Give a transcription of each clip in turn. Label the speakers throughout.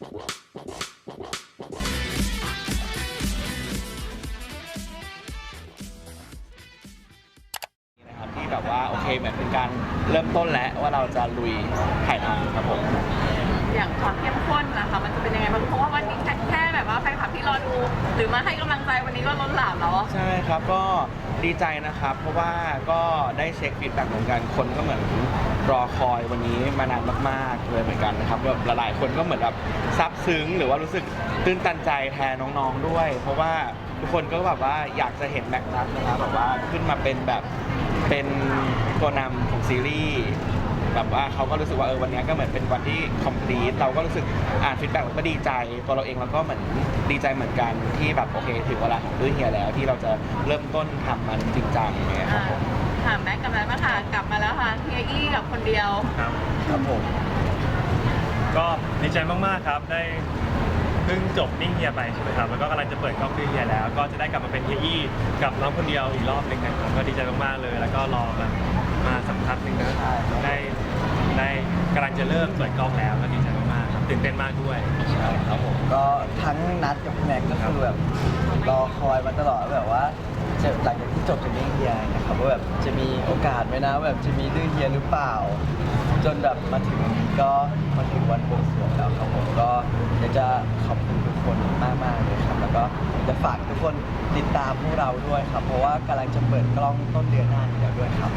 Speaker 1: ที่แบบว่าโอเคเหมือนเป็นการเริ่มต้นแล้วว่าเราจะลุยถ่ายทำครับผม
Speaker 2: อย่างความเข้มข้นนะคะมันจะเป็นยังไงบ้างเพราะว่าวันนี้แค่แบบว่าแฟนคลับที่รอดูหรือมาให้กำลังใจวันนี้ก็ล้นหลามแล้ว
Speaker 1: ใช่ครับก็ดีใจนะครับเพราะว่าก็ได้เช็คฟีดแบ็กเหมือนกันคนก็เหมือนรอคอยวันนี้มานานมากๆเลยเหมือนกันนะครับแบบหลายๆคนก็เหมือนแบบซาบซึ้งหรือว่ารู้สึกตื้นตันใจแทนน้องๆด้วยเพราะว่าทุกคนก็แบบว่าอยากจะเห็นแม็กนัทนะครับแบบว่าขึ้นมาเป็นแบบเป็นตัวนำของซีรีส์แบบว่าเขาก็รู้สึกว่าวันนี้ก็เหมือนเป็นวันที่ complete เราก็รู้สึกอ่านฟีดแบ็กเราก็ดีใจตัวเราเองเราก็เหมือนดีใจเหมือนกันที่แบบโอเคถึงเวลาของดื้อเฮียแล้วที่เราจะเริ่มต้นทำมันจริงจังเนี่ยครับผม
Speaker 2: ถามแม็กกับแม็กมาค่ะกลับมาแล้วค่ะเฮียอี้กับคนเดียว
Speaker 1: ครับผม
Speaker 3: ก็ดีใจมากๆครับได้เพิ่งจบนิ่งเฮียไปใช่ไหมครับแล้วก็กำลังจะเปิดกล้องดื้อเฮียแล้วก็จะได้กลับมาเป็นเฮียอี้กับน้องคนเดียวอีกรอบหนึ่งนะครับก็ดีใจมากๆเลยแล้วก็รอมาสักพักหนึ่งนะได้กำลังจะเริ่มเปิดกล้องแล้วก็ดีใจมากๆครับตื่นเต้นมากด้วย
Speaker 4: ใช่ครับผมก็ทั้งนัดกับแม็กก็คือแบบรอคอยมาตลอดแบบว่าจะหลังจากที่จบจากนิ่งเฮียนะครับว่าแบบจะมีโอกาสไหมนะแบบจะมีดื้อเฮียหรือเปล่าจนแบบมาถึงก็มาถึงวันบวงสรวงแล้วครับผมก็อยากจะขอบคุณทุกคนมากๆเลยครับแล้วก็จะฝากทุกคนติดตามพวกเราด้วยครับเพราะว่ากำลังจะเปิดกล้องต้นเดือนหน้านี้แล้วด้วยครับ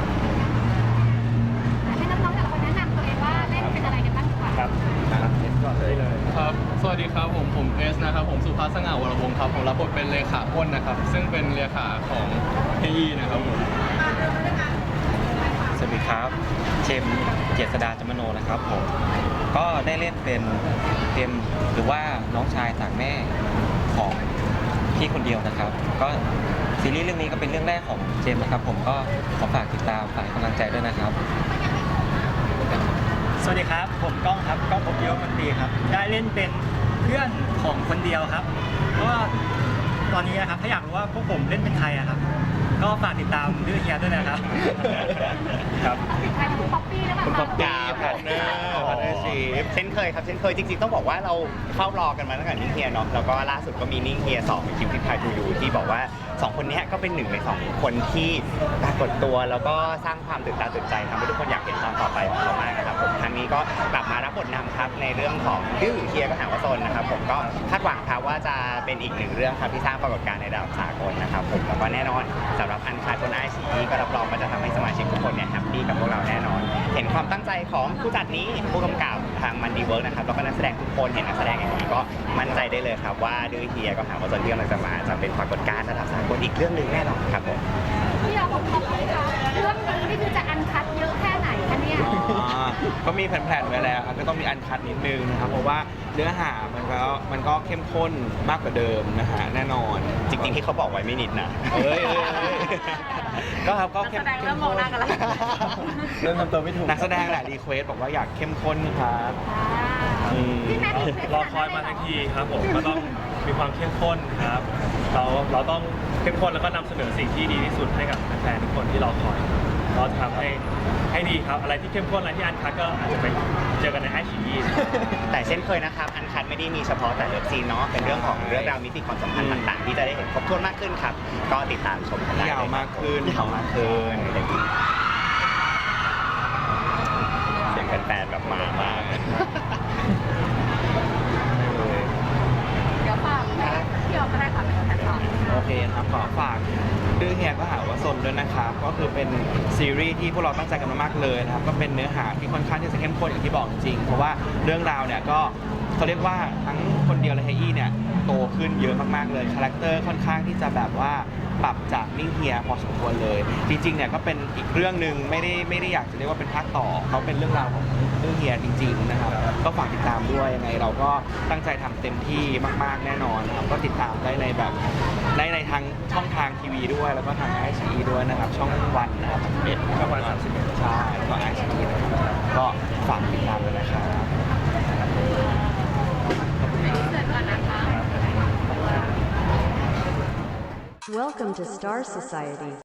Speaker 5: ให้น้องๆแต่ละคนแนะนำตัวเองว่าเล่นเป็นอะไรกันบ้างดีกว่า
Speaker 3: ครับเอสก่อนเลย
Speaker 6: ครับสวัสดีครับผมเอสนะครับผมสุภาพสง่าวรวงศ์ครับผมรับบทเป็นเลขาอ้นนะครับซึ่งเป็นเลขาของเฮียนะครับผม
Speaker 7: สวัสดีครับเจมเจษดาจมโนนะครับผมก็ได้เล่นเป็นเจมหรือว่าน้องชายต่างแม่ของพี่คนเดียวนะครับก็ซีรีส์เรื่องนี้ก็เป็นเรื่องแรกของเจมนะครับผมก็ขอฝากติดตามฝากกำลังใจด้วยนะครับ
Speaker 8: สวัสดีครับผมก้องครับก้องพบเดียวคนดีครับได้เล่นเป็นเพื่อนของคนเดียวครับก็ตอนนี้นะครับถ้าอยากรู้ว่าพวกผมเล่นเป็นใครอะครับก็ฝากติดตามดื้อเฮียด้วยนะครับ
Speaker 3: ครับ
Speaker 5: ใครคุณป๊อปปี้หรือเปล่า
Speaker 1: คุณป๊อปปี้พาร์ทเนอร์ชีพ
Speaker 9: เช่นเคยครับเช่นเคยจริงๆต้องบอกว่าเราเข้ารอกันมาตั้งแต่นิ่งเฮียเนาะแล้วก็ล่าสุดก็มีนิ่งเฮีย2คิวที่พายทูยูที่บอกว่า2คนนี้ก็เป็น1ใน2คนที่ปรากฏตัวแล้วก็สร้างความตื่นตาตื่นใจทำให้ทุกคนอยากเห็นตอนต่อไปของเขามากนะครับผมครั้งนี้ก็กลับมารับบทนำครับในเรื่องของดื้อเฮียก็หาว่าซนนะครับผมก็คาดหวังครับว่าจะเป็นอีก1เรื่องครับที่สร้างปรากฏการณ์ในระดับสากลนะครับผมแล้วก็แน่นอนสำหรับอันคาดบนICEก็รับรองว่าจะทำให้สมาชิกทุกคนเนี่ยแฮปปี้กับพวกเราแน่นอนเห็นความตั้งใจของผู้จัดนี้ผู้กำกับทางมันดีเวิร์กนะครับแล้วก็นักแสดงทุกคนเห็นนักแสดงอย่างนี้ก็มั่นใจได้เลยครับว่าดื้อเฮียก็หาว่าซนที่กำลังจะมาจะเป็นปรากฏการณ์ระดับสากลอีกเรื่องหนึ่งแน่นอนครับผม
Speaker 5: ที่เราบอกเลยค่ะเรื่องนี้นี่คือจะอันคัดเยอะแค่ไหนคะเนี่ย
Speaker 1: ก็มีแผนๆไว้แล้วครับก็ต้องมีอันคัดนิดนึงนะครับเพราะว่าเนื้อหามันก็เข้มข้นมากกว่าเดิมนะฮะแน่นอน
Speaker 9: จริงๆที่เขาบอกไว้ไม่นิดนะ
Speaker 1: ก็ครับก็
Speaker 2: เข้มข้นเริ่มมองหน้ากันแล้ว
Speaker 4: เริ่มทำตัวไม่ถูก
Speaker 1: นักแสดงแหละรีเควสบอกว่าอยากเข้มข้นครับ
Speaker 3: รอคอยมาทันทีครับผมก็ต้องมีความเข้มข้นครับเราต้องเข้มข้นแล้วก็นำเสนอสิ่งที่ดีที่สุดให้กับแฟนๆทุกคนที่รอคอยเราจะทำให้ดีครับอะไรที่เข้มข้นอะไรที่อันคัทก็อาจจะไปเจอกันในICE
Speaker 9: แต่เช่นเคยนะครับอันคัทไม่ได้มีเฉพาะแต่เลิฟซีนเนาะเป็นเรื่องของเรื่องราวมิติความสัมพันธ์ต่างๆที่จะได้เห็นครบถ้วนมากขึ้นครับก็ติดตามชมกันได้
Speaker 1: ยาวมากขึ้น
Speaker 9: เสียงแฟนๆแบบมามาก
Speaker 2: เดี๋ยวฝากที่เราก็ได้ค่ะเป็นแฟนคลับ
Speaker 1: โอเคครับขอฝากดื้อเฮียก็หาว่าซนด้วยนะครับก็คือเป็นซีรีส์ที่พวกเราตั้งใจกันมากๆเลยนะครับก็เป็นเนื้อหาที่ค่อนข้างที่จะเข้มข้นอย่างที่บอกจริงๆเพราะว่าเรื่องราวเนี่ยก็เขาเรียกว่าทั้งคนเดียวและเฮียเนี่ยโตขึ้นเยอะมากๆเลยคาแรคเตอร์ค่อนข้างที่จะแบบว่าปรับจากนิ่งเฮียพอสมควรเลยจริงๆเนี่ยก็เป็นอีกเรื่องนึงไม่ได้อยากจะเรียกว่าเป็นภาคต่อเขาเป็นเรื่องราวของดื้อเฮียจริงๆนะครับก็ฝากติดตามด้วยยังไงเราก็ตั้งใจทำเต็มที่มากๆแน่นอนนะครับก็ติดตามได้ในแบบในทางช่องทางทีวีด้วยแล้วก็ทางICEด้วยนะครับช่องวันนะครับ
Speaker 3: ช่องวัน31
Speaker 1: ใช่แล้วก็ICEนะครับก็ฝากติดตามด้วยนะครับ
Speaker 10: Welcome to Star Society.